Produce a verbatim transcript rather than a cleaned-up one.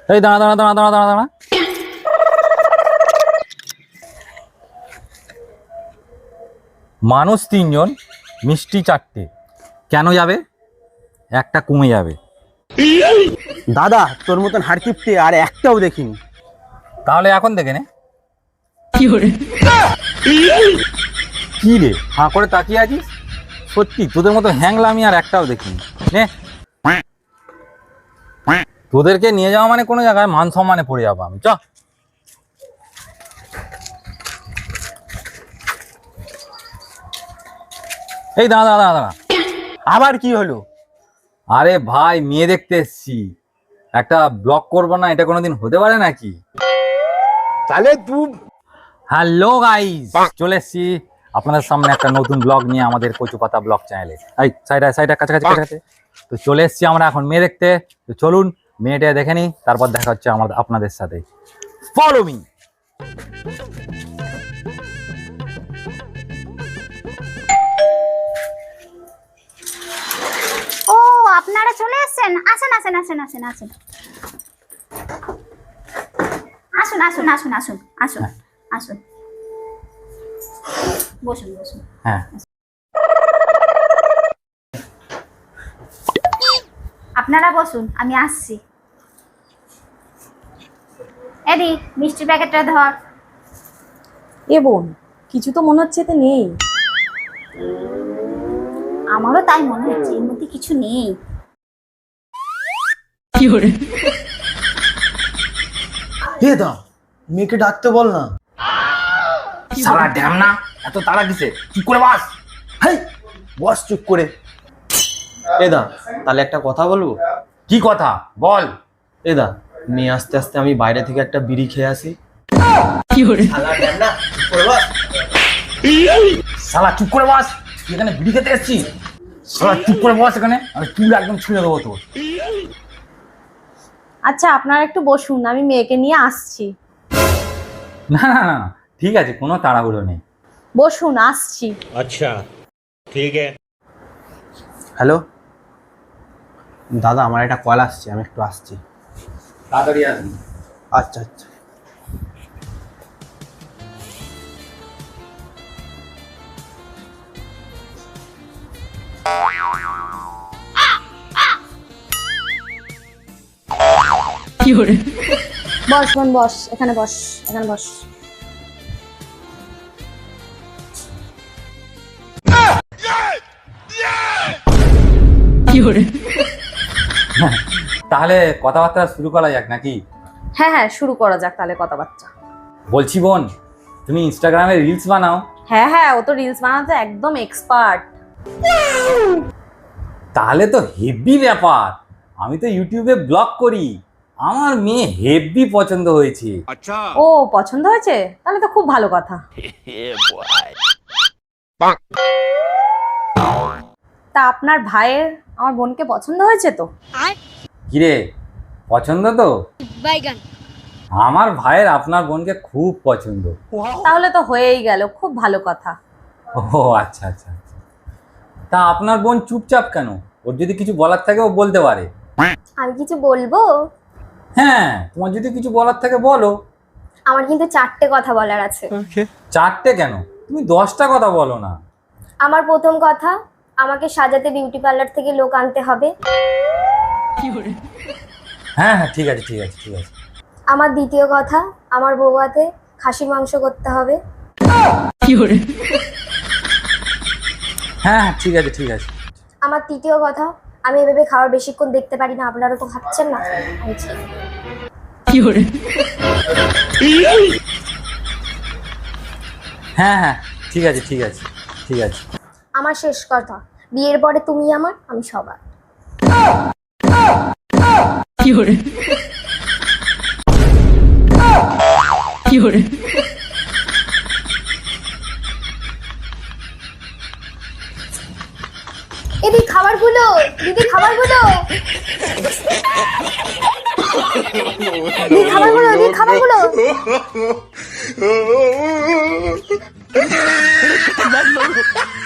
এই দাঁড়া দাঁড়া দাঁড়া দাঁড়া দাঁড়া দাঁড়া মানুষ তিনজন, মিষ্টি চারটে, কেন যাবে? একটা কমে যাবে। দাদা তোর মতন হাড়কিপটে আর একটাও দেখিনি। তাহলে এখন দেখে নে। কি রে হাঁ করে তাকিয়ে আছিস? সত্যি তোদের মতো হ্যাংলা আমি আর একটাও দেখিনি। নে, তোদেরকে নিয়ে যাওয়া মানে কোনো জায়গায় মান সম্মানে পড়ে যাবো আমি। চ এই দাঁড়া দাঁড়া দাঁড়া দাঁড়া আবার কি হলো? আরে ভাই, মেয়ে দেখতে এসছি, একটা ব্লগ করবো না? এটা কোনোদিন হতে পারে নাকি? তাহলে তুই হ্যালো গাইস, চলে এসছি আপনাদের সামনে একটা নতুন ব্লগ নিয়ে আমাদের কচুপাতা ব্লগ চ্যানেলে। এই সাইডা সাইডা কাছাকাছি কাছাকাছি তো চলে এসছি আমরা এখন মেয়ে দেখতে। তো চলুন মেয়েটা দেখে নিই, তারপর দেখা হচ্ছে আমাদের আপনাদের সাথে। Follow me. ও আপনারা চলে এসেছেন? আসেন আসেন আসেন আসেন আসেন আসুন আসুন আসুন আসুন আসুন আসুন বসুন বসুন। হ্যাঁ, আপনারা বসুন, আমি আসছি। এদি মিষ্টির প্যাকেটটা ধর। এ বোন, কিছু তো মনে হচ্ছে এতে নেই। আমারও তাই মনে হচ্ছে, এর মধ্যে কিছু নেই। কি করে? হে দা, মেয়েকে ডাকতে বল না। সারা ড্যাম না, এত তাড়া কিসে? চুপ করে বাস। হাই বস চুপ করে। এ দা, তাহলে একটা কথা বলবো। কি কথা বল? এ দা, মেয়ে আস্তে আস্তে আমি বাইরে থেকে একটা বিড়ি খেয়ে আসি। কি করে? শালা ড্যাম না, চুপ করে বস। শালা চুপ করে বাস, এখানে বিড়ি খেতে এসছি। শালা চুপ করে বস, এখানে আমি চুল একদম ছুঁড়ে দেবো তোর। আচ্ছা আপনারা একটু বসুন, আমি মেয়েকে নিয়ে আসছি। না না না, ঠিক আছে, কোনো তাড়াহুড়ো নেই। বসুন, আসছি। अच्छा ठीक है। হ্যালো দাদা, আমার একটা কল আসছে, আমি একটু আসছি। তাড়াতাড়ি আসবি। আচ্ছা আচ্ছা। কি করে? বস বোন বস, এখানে বস, এখানে বস। কি করে? তাহলে কথাবার্তা শুরু করা যাক নাকি? হ্যাঁ হ্যাঁ, শুরু করা যাক তাহলে কথাবার্তা। বলছি বোন, তুমি ইনস্টাগ্রামে রিলস বানাও? হ্যাঁ হ্যাঁ, ও তো রিলস বানাতে একদম এক্সপার্ট। তাহলে তো হেভি ব্যাপার। আমি তো ইউটিউবে ব্লগ করি, আমার মেয়ে হেভি পছন্দ হয়েছে। ও পছন্দ হয়েছে, তাহলে তো খুব ভালো কথা। তা আপনার ভাইয়ের আমার বোনকে পছন্দ হয়েছে তো? কিরে, পছন্দ তো? আমার ভাইয়ের আপনার বোনকে খুব পছন্দ। তাহলে তো হয়েই গেল, খুব ভালো কথা। ও আচ্ছা আচ্ছা আচ্ছা। তা আপনার বোন চুপচাপ কেন? ওর যদি কিছু বলার থাকে ও বলতে পারে। আমি কিছু বলবো? হ্যাঁ, তোমার যদি কিছু বলার থাকে বলো। আমার কিন্তু চারটে কথা বলার আছে। চারটে কেন, তুমি দশটা কথা বলো না। আমার প্রথম কথা, আমাকে সাজাতে বিউটি পার্লার থেকে লোক আনতে হবে। হ্যাঁ হ্যাঁ, ঠিক আছে ঠিক আছে ঠিক আছে। আমার দ্বিতীয় কথা, আমার বৌভাতে খাসির মাংস করতে হবে। হ্যাঁ হ্যাঁ, ঠিক আছে ঠিক আছে। আমার তৃতীয় কথা, আমি এভাবে খাবার বেশিক্ষণ দেখতে পারি না, আপনারা তো খাচ্ছেন না। আমি চাই। হ্যাঁ হ্যাঁ, ঠিক আছে ঠিক আছে ঠিক আছে। আমার শেষ কথা, বিয়ের পরে তুমি আমার, আমি সবার। কি করে? কি করে? এদি খাবারগুলো, দিদি খাবারগুলো, দিদি খাবারগুলো, দিদি খাবারগুলো।